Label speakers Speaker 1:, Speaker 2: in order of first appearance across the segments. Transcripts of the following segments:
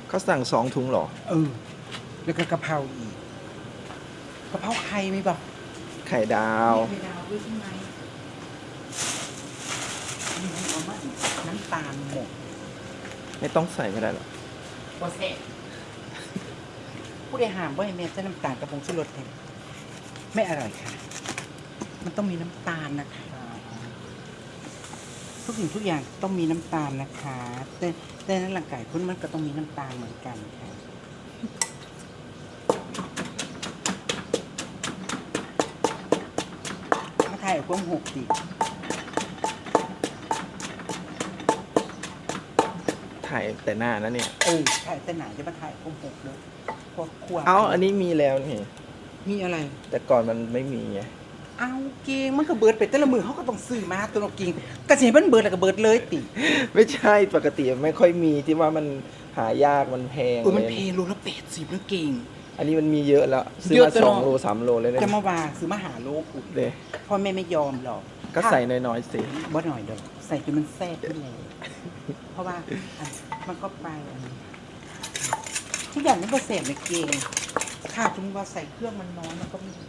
Speaker 1: เขาสั่ง2 ถุงเหรอ
Speaker 2: แล้วก็กะเพราอีกกะเพราไข่มีป่ะ
Speaker 1: ไข่ดาว
Speaker 2: ไข่ดาวด้วยใช่ไหมมีเอามาอีกน้ำตาลหมด
Speaker 1: ไม่ต้องใส่ก็ได้หรอ
Speaker 2: โปรเซสผู้ใดห้ามว่าให้แม่ใช้น้ำตาลกระพงชูรสแทนไม่อร่อยค่ะมันต้องมีน้ำตาลนะคะทุกสิ่งทุกอย่างต้องมีน้ำตาลนะคะแต่ในร่างกายคุณมันก็ต้องมีน้ำตาลเหมือนกันค่ะมาถ่ายกล้อง6ดิ
Speaker 1: ถ่ายแต่หน้านะเนี่ย
Speaker 2: ถ่ายแต่หนาจะมาถ่ายกล้อง6เลยพวกขวด
Speaker 1: อันนี้มีแล้วนี่
Speaker 2: มีอะไร
Speaker 1: แต่ก่อนมันไม่มีไง
Speaker 2: เอาเก่งมันก็เบิดไปแต่ละมือเขาก็ต้องซื้อมาตัวเราเก่งกระเสียมันเบิดแล้วก็เบิดเลยติ
Speaker 1: ไม่ใช่ปกติไม่ค่อยมีที่ว่ามันหายากมันแพง
Speaker 2: มันแพงโลละ80นะเก่ง
Speaker 1: อันนี้มันมีเยอะแล้วซื้อมา2 โล 3 โลเลยนะ
Speaker 2: จะมาว่าซื้อมาหาโลกุ
Speaker 1: เลย
Speaker 2: พ่อแม่ไม่ยอมหรอก
Speaker 1: ก็ใส่น้อยๆสิ
Speaker 2: บ่หน่อยเด้อใส่จนมันแซ่บขึ้นเลยเพราะว่ามันก็ไปทุกอย่างมันก็เสพในเก่งถ้าสมมติว่าใส่เครื่องมันน้อยมันก็ไม่ดี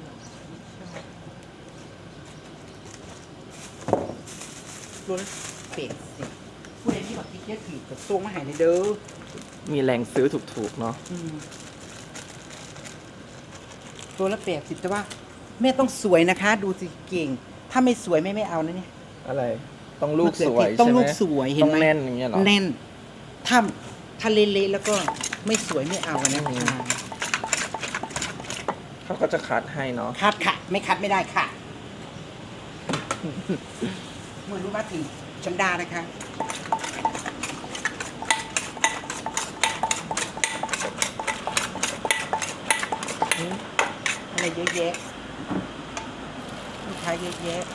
Speaker 2: รวมเป็ดสิผู้ใดที่แบบที่เคี้ยวถือกับตัวมาหายในเด้อ
Speaker 1: มีแรงซื้อถูกๆเนาะ
Speaker 2: ตัวละ80แต่ว่าแม่ต้องสวยนะคะดูสิเก่งถ้าไม่สวยไม่เอานะเนี่ย
Speaker 1: อะไรต้องลูกสวย
Speaker 2: ต้องลูกสวยเห็นไหม
Speaker 1: ต้องแน่นอย่างเงี้ยหรอ
Speaker 2: แน่นถ้าเละๆแล้วก็ไม่สวยไม่เอานะคะ
Speaker 1: เขาก็จะคัดให้เนาะ
Speaker 2: คัดค่ะไม่คัดไม่ได้ค่ะเมื่อรู้ว่าถึงชันดานะคะอะไรเยอะแยะลูกค้าเยอะแยะ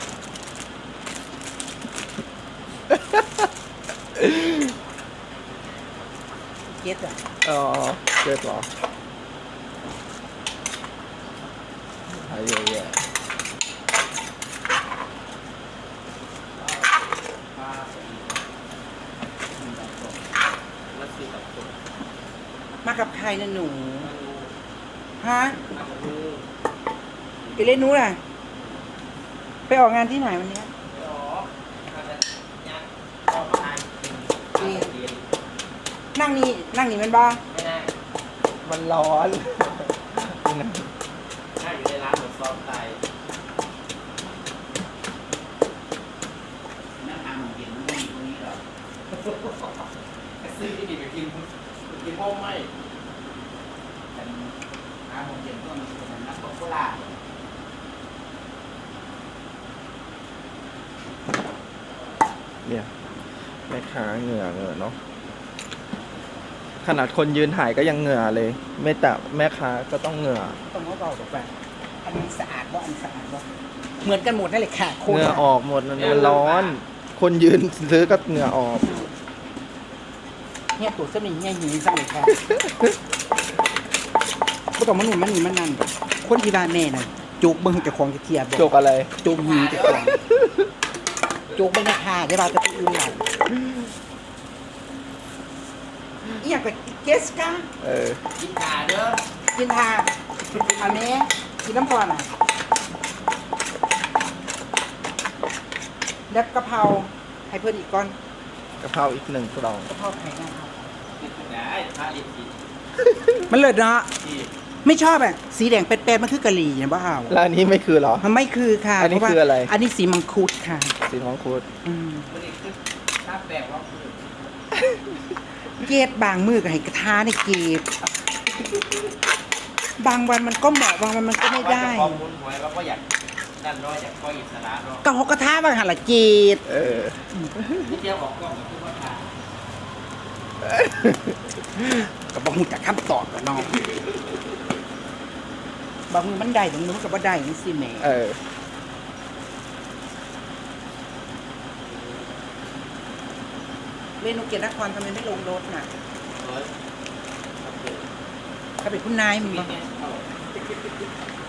Speaker 2: เก็ตอ่ะ
Speaker 1: เก็ตหรออะไรเยอะแยะ
Speaker 2: มากับใครนะหนูฮะไปเล่นนู้นอ่ะไปออกงานที่ไหนวันนี้นั่งนี่มันบ้า
Speaker 1: มันร้อน
Speaker 3: นั่งอยู่ในร้านหมูซอมไตนั่งทานหมูเย็นมันไม่มีตรงนี้หรอซื้อที่นี่ไปกินพ่อไม่ทานหมูเย็นก็มันเป็นน้ำตกโคราช
Speaker 1: เนี่ยแม่ค้าเหงื่อเนาะขนาดคนยืนถ่ายก็ยังเหงื่อเลยไม่แต่แม่ค้าก็ต้องเหงื่อ
Speaker 2: ต้องเบาๆกับแฟนอันนี้สะอาดบ่อันสะอาดบ่เหมือนกันหมดนั่นแหละค่ะ
Speaker 1: เหงื่อออกหมดมันร้อนคนยืนซื้อก็เหงื่อออก
Speaker 2: เนี่ยตัวเส้นนี้เนี่ยหิวสักเลยค่ะก็ต้องมันหนุนมันนี่มันนั่นคนที่บ้านแม่น่ะจุกเบิ้งจะคลองจะเทียบ
Speaker 1: จุกอะไร
Speaker 2: จุกหิวจะคลองจุกเบิ้งราคาได้บ้างจะอื่นหน่อยอยากไปเกสก้า
Speaker 3: กินขาเด้อ
Speaker 2: กินทาอันนี้กินน้ำพอน่ะแล้วกะเพราให้เพิ่มอีกก้อน
Speaker 1: กะเพราอีก1 กล่อง
Speaker 2: กะเพราไข่นะครับ
Speaker 3: ได้พระลิขิต
Speaker 2: มันเลิศเนาะไม่ชอบอ่ะสีแดงเป็ดๆมันคือกะหรี่เนี่ยบ้า
Speaker 1: แล้วอันนี้ไม่คือหรอ
Speaker 2: มันไม่คือค่ะ
Speaker 1: อันนี้คืออะไร
Speaker 2: อันนี้สีมังคุดค่ะ
Speaker 1: สีมังคุด
Speaker 3: มันนี่คือถ้าแปลว่าคือ
Speaker 2: เกตบางมือกับให้กระทะในเกตบางวันมันก็เหมาะบางวันมันก็ไม่ได้
Speaker 3: ข้อมูลหวยว่าก็อยากนั่นน้อยอยากก็อิสระเนาะ
Speaker 2: ก็หกกระทะบางหันละเกต
Speaker 3: ที่เที่ยวออกกล้องกับทุกคนค่ะ
Speaker 2: กับบางมือจากคำตอบกับน้องบางมือมันได้บางมือมันก็บ่ได้นี่สิแม่เมนูเกียรตินครทำไมไม่ลงรถน่ะถ้าเป็นคุณนายมี